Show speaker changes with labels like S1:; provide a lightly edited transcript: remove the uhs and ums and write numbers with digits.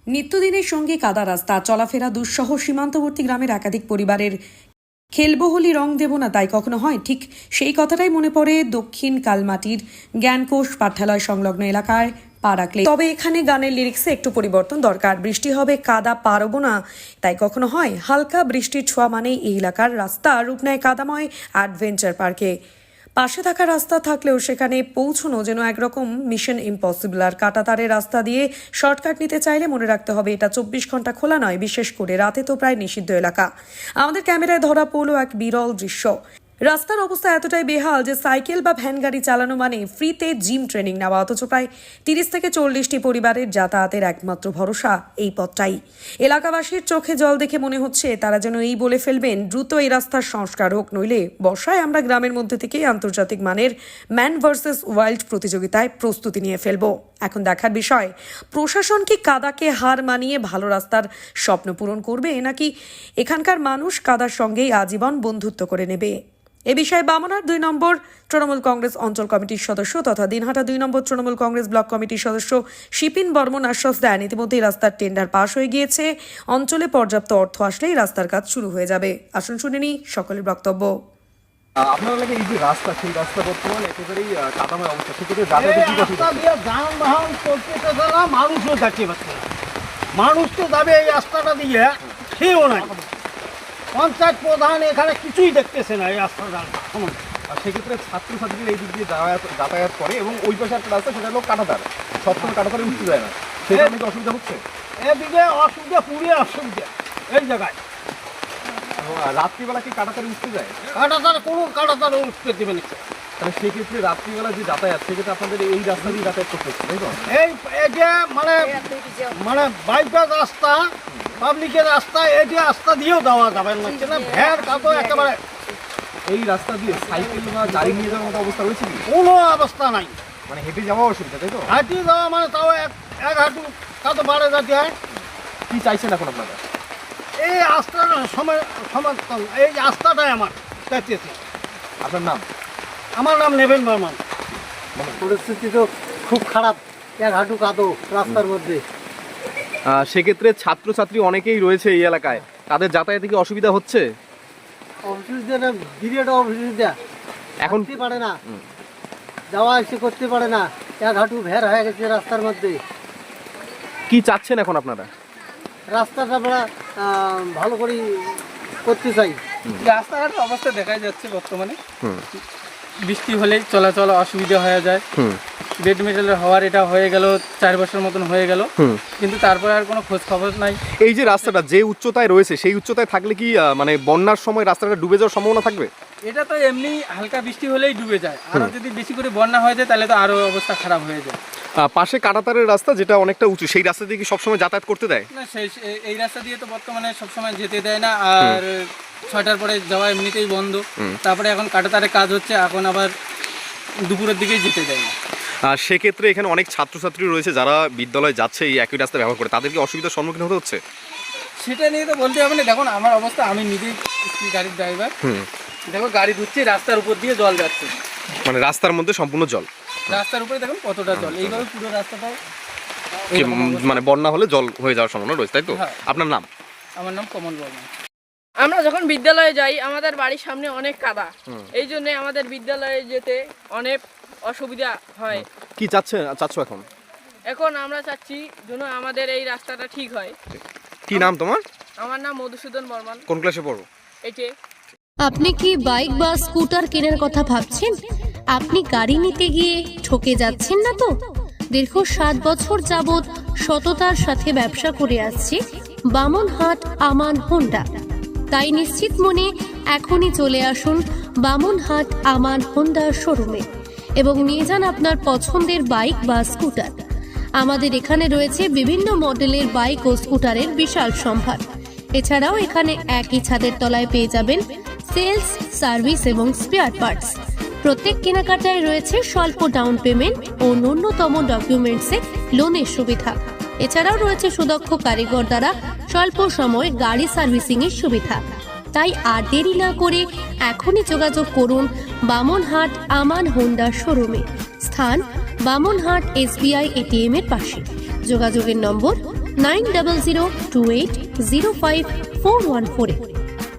S1: নিত্যদিনের সঙ্গে কাদা রাস্তা, চলাফেরা দুঃসহ সীমান্তবর্তী গ্রামের একাধিক পরিবারের খেলবো হোলি রং দেব না তাই কখনো হয়, ঠিক সেই কথাটাই মনে পড়ে দক্ষিণ কালমাটির জ্ঞানকোষ পাঠ্যালয় সংলগ্ন এলাকায় পা রাখলে। তবে এখানে গানের লিরিক্সে একটু পরিবর্তন দরকার। বৃষ্টি হবে কাদা পারবো না তাই কখনো হয়, হালকা বৃষ্টির ছোঁয়া মানেই এই এলাকার রাস্তা রূপ নেয় কাদাময় অ্যাডভেঞ্চার পার্কে। পাশে থাকা রাস্তা থাকলেও সেখানে পৌঁছানো যেন একরকম মিশন ইম্পসিবল। আর কাঁটাতারের রাস্তা দিয়ে শর্টকাট নিতে চাইলে মনে রাখতে হবে এটা 24 ঘন্টা খোলা নয়, বিশেষ করে রাতে তো প্রায় নিষিদ্ধ এলাকা। আমাদের ক্যামেরায় ধরা পড়লো এক বিরল দৃশ্য। রাস্তার অবস্থা এতটাই বেহাল যে সাইকেল বা ভ্যান গাড়ি চালানো মানে ফ্রিতে জিম ট্রেনিং নেওয়া, অথচ প্রায় 30 থেকে 40টি পরিবারের যাতায়াতের একমাত্র ভরসা এই পথটাই। এলাকাবাসীর চোখে জল দেখে মনে হচ্ছে তারা যেন এই বলে ফেলবেন দ্রুত এই রাস্তার সংস্কার হোক, নইলে বর্ষায় আমরা গ্রামের মধ্যে থেকেই আন্তর্জাতিক মানের ম্যান ভার্সেস ওয়াইল্ড প্রতিযোগিতায় প্রস্তুতি নিয়ে ফেলবো। এখন দেখার বিষয় প্রশাসন কি কাদাকে হার মানিয়ে ভালো রাস্তার স্বপ্ন পূরণ করবে, নাকি এখানকার মানুষ কাদার সঙ্গেই আজীবন বন্ধুত্ব করে নেবে। এ বিষয়ে বামনহাট 2 নম্বর তৃণমূল কংগ্রেস অঞ্চল কমিটির সদস্য তথা দিনহাটা 2 নম্বর তৃণমূল কংগ্রেস ব্লক কমিটির সদস্য শিপিন বর্মন আশ্বাস দেন ইতিমধ্যেই রাস্তার টেন্ডার পাস হয়ে গিয়েছে, অঞ্চলে পর্যাপ্ত অর্থ আসলেই রাস্তার কাজ শুরু হয়ে যাবে। আসুন শুনে নিই সকলের বক্তব্য।
S2: আপনার লাগে এই যে রাস্তা, সেই রাস্তা বর্তমানে একেবারেই কাদাময় অবস্থা, সেক্ষেত্রে যাতায়াতে কি
S3: রাস্তা দিয়ে যানবাহন চলতে না, মানুষও যাচ্ছে পাচ্ছে না। মানুষ তো যাবে এই রাস্তাটা দিয়ে, সেও নাই। পঞ্চায়েত প্রধান এখানে কিছুই দেখতেছে না এই রাস্তাটা।
S2: আর সেক্ষেত্রে ছাত্রছাত্রীরা এই দিক দিয়ে যাতায়াত করে এবং ওই পাশে একটা রাস্তা, সেটা হলো কাঁটাতার, সবসময় কাঁটাতারে উঠতে যায় না, সেটা অনেক অসুবিধা হচ্ছে।
S3: এদিকে অসুবিধা, পুরো অসুবিধা এই জায়গায়।
S2: রাত্রিবেলা কি কাঁটাতারে উঠতে যায়?
S3: কাঁটাতারে কোনো কাঁটাতারে উঠতে দেবে না।
S2: তাহলে সেক্ষেত্রে রাত্রিবেলা যে যাতায়াত, সেক্ষেত্রে আপনাদের এই রাস্তা দিয়ে যাতায়াত করতে হচ্ছে, তাই তো?
S3: এই যে মানে বাইপাস রাস্তা, পাবলিকের রাস্তা, এই যে রাস্তা দিয়েও দেওয়া যাবে না, ভ্যার কাদো একেবারে।
S2: এই রাস্তা দিয়ে সাইকেল বা গাড়ি নিয়ে যাওয়ার মতো অবস্থা রয়েছে কি?
S3: কোনো অবস্থা নাই,
S2: মানে হেঁটে যাওয়া অসুবিধা, তাই তো?
S3: হাঁটি যাওয়া মানে তাও এক হাঁটু কাদো বাড়ে যাতে হয়।
S2: কি চাইছেন এখন আপনারা?
S3: এই রাস্তাটা সমর্থন, এই রাস্তাটাই আমার চাইতেছি।
S2: আপনার নাম?
S3: আমার নাম নেবেন বর্মন।
S4: পরিস্থিতি তো খুব খারাপ, এক হাঁটু কাদো রাস্তার মধ্যে।
S2: সেক্ষেত্রে ছাত্রছাত্রী অনেকেই রয়েছে এই এলাকায়, তাদের যাতায়াতে কি অসুবিধা হচ্ছে?
S4: অসুবিধা বিরাট অসুবিধা,
S2: এখন
S4: করতে পারে না, যাওয়া এসে করতে পারে না, এক হাঁটু ভের হয়ে গেছে রাস্তার মধ্যে।
S2: কি চাচ্ছেন এখন আপনারা?
S4: রাস্তাটা আমরা ভালো করে করতে চাই।
S5: রাস্তাঘাটের অবস্থা দেখা যাচ্ছে বর্তমানে, বৃষ্টি হলেই চলাচল অসুবিধা হয়ে যায়। বেড মেটালের হওয়ার এটা হয়ে গেল 4 বছর মতন হয়ে গেল, কিন্তু তারপরে আর কোনো খোঁজ খবর নাই।
S2: এই যে রাস্তাটা যে উচ্চতায় রয়েছে, সেই উচ্চতায় থাকলে কি মানে বন্যার সময় রাস্তাটা ডুবে যাওয়ার সম্ভাবনা থাকবে?
S5: এটা তো এমনি হালকা বৃষ্টি হলেই ডুবে যায়, আর যদি বেশি করে বন্যা হয়ে যায় তাহলে তো আরো অবস্থা খারাপ হয়ে যায়।
S2: পাশে কাঁটাতারের রাস্তা যেটা অনেকটা উঁচু, সেই রাস্তা দিয়ে কি সবসময় যাতায়াত করতে দেয়
S5: না? এই রাস্তা দিয়ে তো বর্তমানে সবসময় যেতে দেয় না, আর 6টার পরে যাওয়া এমনিতেই বন্ধ। তারপরে এখন কাঁটাতারের কাজ হচ্ছে, এখন আবার দুপুরের দিকেই যেতে দেয় না।
S2: সেক্ষেত্রে এখানে অনেক ছাত্রছাত্রী রয়েছে যারা বিদ্যালয়ে যাচ্ছে এই একই রাস্তা ব্যবহার করে, তাদেরকে অসুবিধার সম্মুখীন হতে হচ্ছে।
S5: সেটা নিয়ে তো বলতে হবে না। দেখুন আমার অবস্থা, আমি নিজেই গাড়ির ড্রাইভার, দেখো গাড়ি ধুচ্ছি, রাস্তার উপর দিয়ে জল যাচ্ছে,
S2: মানে রাস্তার মধ্যে সম্পূর্ণ জল,
S5: রাস্তার উপরে দেখুন কতটা জল, এইভাবে পুরো রাস্তাটাও
S2: মানে বন্যা হলে জল হয়ে যাওয়ার সম্ভাবনা রয়েছে, তাই তো? আপনার নাম?
S5: আমার নাম কমল বর্মন।
S6: আমরা যখন বিদ্যালয়ে যাই আমাদের বাড়ির সামনে অনেক কাদা, এই জন্য আমাদের বিদ্যালয়ে যেতে অনেক অসুবিধা হয়।
S2: কি চাচ্ছ এখন?
S6: এখন আমরা চাচ্ছি যেন আমাদের এই রাস্তাটা ঠিক হয়।
S2: কি নাম তোমার?
S6: আমার নাম মধুসূদন বর্মন।
S2: কোন ক্লাসে পড়ো?
S6: এইটে।
S7: আপনি কি বাইক বা স্কুটার কেনার কথা ভাবছেন? আপনি গাড়ি নিতে গিয়ে ঠকে যাচ্ছেন না তো? দীর্ঘ 7 বছর যাবৎ সততার সাথে ব্যবসা করে আসছে বামনহাট আমান হোন্ডা। তাই নিশ্চিত মনে এখনই চলে আসুন বামনহাট আমান হোন্ডা শোরুমে এবং নিয়ে যান আপনার পছন্দের বাইক বা স্কুটার। আমাদের এখানে রয়েছে বিভিন্ন মডেলের বাইক ও স্কুটারের বিশাল সম্ভার। এছাড়াও এখানে একই ছাদের তলায় পেয়ে যাবেন সেলস, সার্ভিস এবং স্পেয়ার পার্টস। প্রত্যেক কেনাকাটায় রয়েছে স্বল্প ডাউন পেমেন্ট ও ন্যূনতম ডকুমেন্টসে লোনের সুবিধা। এছাড়াও রয়েছে সুদক্ষ কারিগর দ্বারা স্বল্প সময়ে গাড়ি সার্ভিসিং এর সুবিধা। তাই আর দেরি না করে এখনই যোগাযোগ করুন বামনহাট আমান হোন্ডা শোরুমে। স্থান বামনহাট SBI ATM এর পাশে। যোগাযোগের নম্বর 9002805414-এ।